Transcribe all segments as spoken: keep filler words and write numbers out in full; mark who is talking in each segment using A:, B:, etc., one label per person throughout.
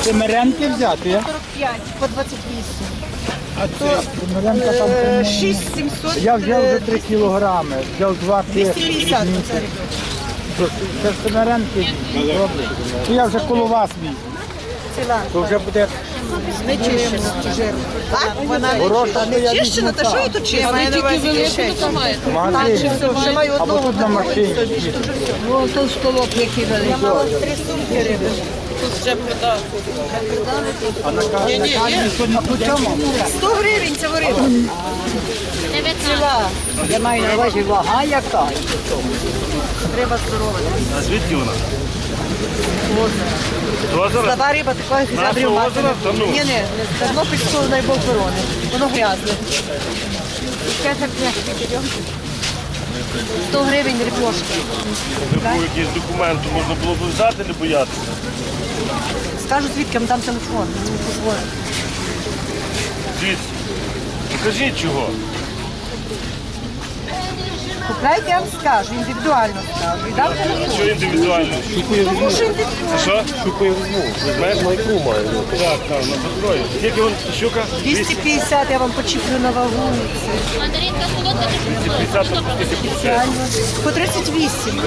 A: Семеренки взяти, а?
B: сорок п'ять по двадцять вісім.
A: А це Семеренка там
B: Е,
A: три.
B: шість сімсот.
A: Я взяв вже три кілограми, взяв два
B: двісті
A: тижні.
B: п'ятдесят оце рибочка.
A: Це Семеренки добре. Ну, я вже коло вас мій,
B: Ціла.
A: то вже буде
B: Не чищена. Жирна. Так? Вона не
A: хороша.
B: чищена.
A: що я
B: Не чищена,
A: візьму
B: та що
A: так.
B: і тут чищена? Маю на увазі кишечник.
A: В магазині.
B: Ще маю
A: Або
B: одного.
A: тут на машині.
B: Ну, то столок який великий. Я мала три сумки риби.
A: А на каві сьогодні по чому?
B: сто гривень це риба. Ціла.
C: Я маю на увазі вага яка.
B: Риба здорова.
D: А звідки вона?
B: Слаба риба такої зябрів мати.
D: озера? Та ну.
B: Ні, ні, не давно підійшов на бок ворони. Воно грязне. Ще так не. сто гривень рибошки.
D: Був якийсь документ, можна було б взяти, не боятися.
B: Скажу звідки, там телефон. Позвоню.
D: Звідси. Покажіть чого.
B: Купляйте, я вам скажу, індивідуально скажу. І дам телефон.
D: Що індивідуально?
B: Тому що індивідуально.
D: Що? Щуку я візьму. Візьмеш? Майку маю. Так, так, на патрої. Скільки вон щука?
B: двісті п'ятдесят я вам почіплю на вагу.
E: Мандаринка солодка,
D: двісті п'ятдесят, а скільки п'ятдесят?
B: По тридцять вісім.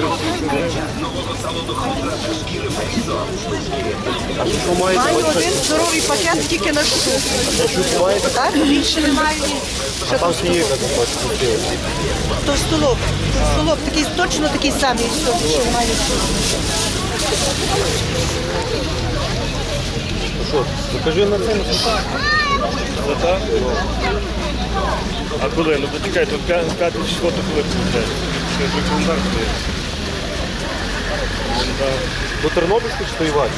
B: Маю один здоровий пакет тільки на штуку. Так, більше не маю. Що там столок? То столок. То столок такий, точно такий самий, що більше немає.
D: Покажи на це. За так? А коли? Ну почекай, тут п'яте число, то коли виходить? Це вже календар стоїть.
F: До Тернопільської чи Івані?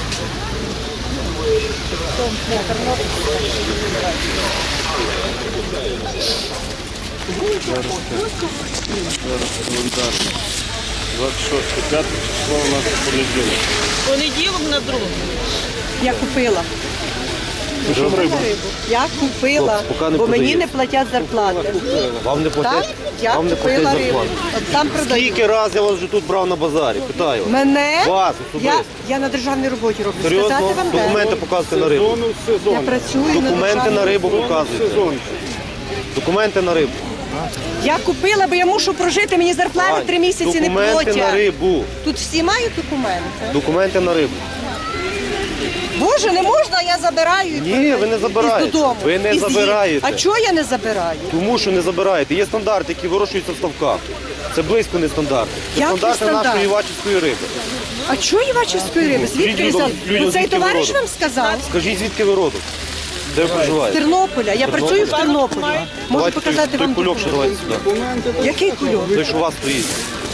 D: двадцять шосте, п'яте число у нас понеділок.
B: Понеділок на другу. Я купила.
D: Ну що рибу?
B: Я купила,
F: Хлопці, поки не
B: бо мені
F: продають.
B: не платять зарплати.
F: Вам не
B: Так,
F: платять?
B: я
F: Вам не
B: купила
F: платять
B: рибу.
F: зарплату?
B: От там продають.
F: Скільки раз я вас вже тут брав на базарі? Питаю.
B: Мене?
F: Вас
B: Я,
F: особисто.
B: я на державній роботі роблю. Сказати
F: Серйозно?
B: вам де?
F: Документи показуйте на рибу.
B: Я працюю
F: Документи
B: на
F: на
B: державній
F: рибу показуйте. Документи на рибу.
B: Я купила, бо я мушу прожити, мені зарплати
F: Ань,
B: три місяці не
F: Документи на
B: платять.
F: рибу.
B: Тут всі мають документи.
F: Документи на рибу.
B: Боже, не можна, я забираю. і
F: Ні,
B: продаю.
F: ви не забираєте.
B: Із додому.
F: Ви не
B: Із їх.
F: забираєте.
B: А чого я не забираю?
F: Тому що не забираєте. Є стандарти, які вирощуються в ставках. Це близько не стандарти. Це
B: Який
F: стандарти
B: стандарт?
F: нашої івачівської риби.
B: А чого Івачівської риби? Звідки ви
F: людям-
B: взяли?
F: людям
B: Ну, цей
F: звідки
B: товариш
F: виродок?
B: вам сказав?
F: Скажіть, звідки ви родом? Де ви
B: З
F: проживаєте?
B: Тернополя. Я працюю в Тернополі. Можу
F: Давайте
B: показати
F: той,
B: вам
F: той кульок ще
B: документи.
F: давайте сюди.
B: Який кульок?
F: Той, що у вас стоїть.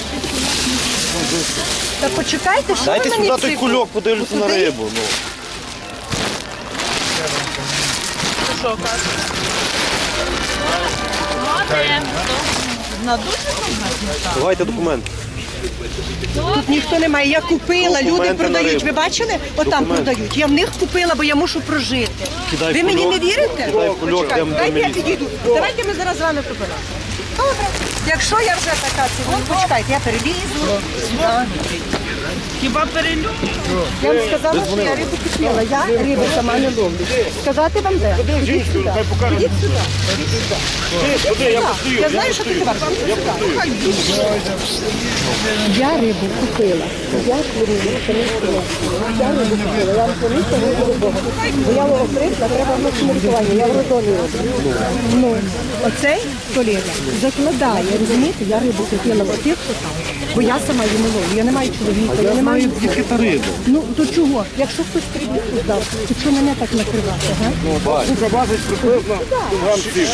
B: Та почекайте, що
F: Дайте
B: ви мені
F: сюди той
B: цифру?
F: кульок, подивлюся на
B: Куди?
F: рибу. Ну. Давайте документи.
B: Тут ніхто не має. Я купила, люди
F: Документи на
B: продають.
F: рибу.
B: Ви бачили? Отам
F: Документи.
B: продають. Я в них купила, бо я мушу прожити.
F: Кидай
B: Ви мені
F: кульок.
B: не вірите?
F: Кидай кульок,
B: Почекайте,
F: йдемо до
B: дайте я
F: міліції.
B: підійду. Давайте ми зараз з вами поберемо. Добре. Якщо я вже така цілон, почекайте, я перелізу.
G: Хіба перелю?
B: Я вам сказала, що я рибу купила. Я рибу сама не ловлю. Сказати вам де? Ідіть сюди.
D: Хай покаже.
B: Ідіть сюди.
D: Ходи, я постою.
B: Я знаю, що ти товар. Я рибу купила. Я рибу купила. Я рибу купила. Я вам помітила, не буду Бога. Бо я окрикла, треба в нашому лікуванні. Я в роддомі роблю. Ну, оцей колега закладає, розумієте, я рибу купила в тих, що там. Бо я сама її не ловлю. Я не маю чоловіка, я не маю...
F: Яка риба?
B: Ну, то чого? Якщо хтось прибіг дав, то чого мене так накривати, га?
D: Сука базить приблизно кілограм сім.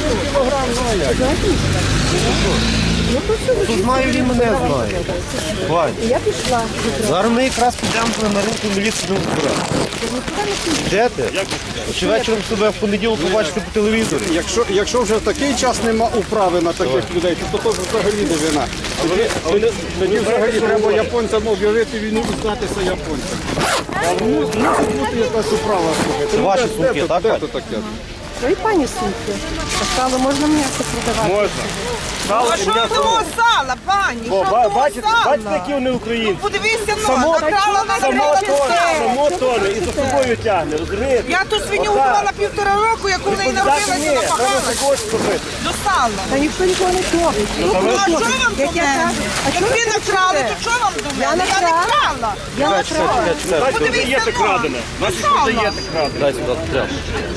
F: Тут знаю, він мене знає. Вань,
B: Я пішла.
F: зараз ми якраз підемо на ринку міліцію не збирати. Йдете? Чи вечором себе в понеділок побачите по телевізорі?
A: Якщо, якщо вже в такий час нема управи на таких людей, то то взагалі не вина. Тоді, тоді, тоді взагалі треба японцям об'явити війну і здатися японцям. А ну, мусить бути якась управа. слухайте.
F: Це
A: Ну,
F: ваші
A: де-
F: сумки,
A: де то-
F: так,
A: Де
F: Вань?
A: то таке?
B: Ну і пані сумки. Сало можна м'ясо продавати.
D: Можна. Сало
G: А
D: і
G: що
D: м'ясо.
G: того сала, пані?
D: О,
G: Що
D: ба-
G: того
D: бачите,
G: сала?
D: бачите, які вони українці.
G: Подивіться, ну,
D: Само,
G: накрала на
D: само
G: гривень
D: тоне,
G: сало.
D: само тоне, і за собою тягне, розумієте?
G: Я ту свиню
D: Отак.
G: вбила півтора року, як у неї
D: Відповідати
G: народилася,
D: ні, треба
G: напахалася
D: також робити.
G: до сала.
B: Та ніхто нікого не топить.
G: Ну,
D: та ви-
G: а що вам
B: Як я
G: до мене?
B: кажу, а
G: Як
B: чого
G: ви
B: ви
G: накрали,
B: кричите?
G: то що вам до мене?
B: Я
G: Я не
B: накрала.
G: крала.
B: Я накрала.
D: Дайте,
G: Подивіться,
D: продаєте
G: ну,
D: крадене. Наші
G: сало.
D: продаєте крадене. Дай сюди, треба.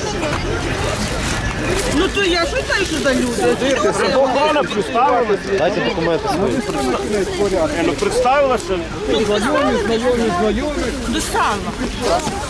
G: Ну то я що знаю, що за люди?
D: Охорона представилася.
F: Дайте документи свої.
D: Е, Ну представилася.
A: Знайомі, знайомі, знайомі.
G: До сала.